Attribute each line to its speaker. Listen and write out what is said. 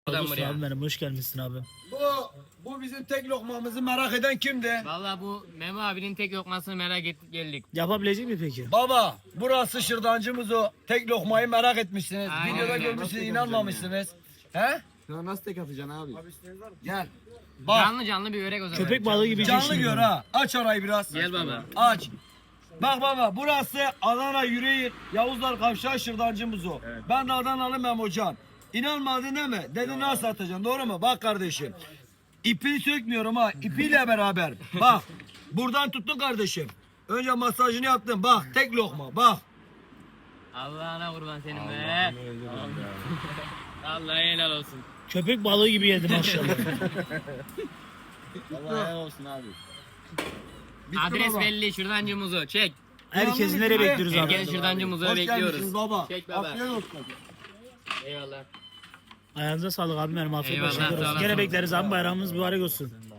Speaker 1: Buradan
Speaker 2: Dostum
Speaker 1: buraya.
Speaker 2: abi benim hoş gelmişsin abi.
Speaker 3: Bu bizim tek lokmamızı merak eden kimdi?
Speaker 1: Valla bu Memo abinin tek lokmasını merak ettik geldik.
Speaker 2: Yapabilecek mi peki?
Speaker 3: Baba, burası şırdancımız o. Tek lokmayı merak etmişsiniz.
Speaker 1: Aynen
Speaker 3: Videoda
Speaker 1: öyle.
Speaker 3: görmüşsünüz, inanmamışsınız. He?
Speaker 4: Sana nasıl tek atacaksın abi?
Speaker 3: Gel. Bak,
Speaker 1: Canlı canlı bir börek o zaman.
Speaker 2: Köpek balığı gibi
Speaker 3: canlı
Speaker 2: yiyeceksin
Speaker 3: gör
Speaker 2: yani.
Speaker 3: ha. Aç arayı biraz.
Speaker 1: Gel baba.
Speaker 3: Aç. Bak baba, burası Adana Yüreğir, Yavuzlar Kavşağı şırdancımız o. Ben de Adanalı Memocan. İnanmadın değil mi? Dedi nasıl atacaksın, doğru mu? Bak kardeşim. İpini sökmüyorum ha. İpiyle beraber. Bak. Buradan tuttun kardeşim. Önce masajını yaptın. Bak tek lokma. Bak.
Speaker 1: Allah'ına kurban senin be. Vallahi helal olsun.
Speaker 2: Köpek balığı gibi yedi maşallah.
Speaker 4: Vallahi helal olsun abi.
Speaker 1: Adres
Speaker 3: baba.
Speaker 1: belli şırdancı muzu çek.
Speaker 2: Herkesi nereye bekliyoruz
Speaker 1: Gel
Speaker 2: abi?
Speaker 1: şırdancı muzu
Speaker 3: Hoş
Speaker 1: bekliyoruz.
Speaker 3: gelmişsiniz baba.
Speaker 1: Çek baba.
Speaker 3: Afiyet olsun.
Speaker 1: Eyvallah.
Speaker 2: Ayağınıza sağlık abi benim afiyet
Speaker 1: Eyvallah,
Speaker 2: olsun.
Speaker 1: sağ olasın.
Speaker 2: Gene bekleriz abi bayramımız mübarek olsun.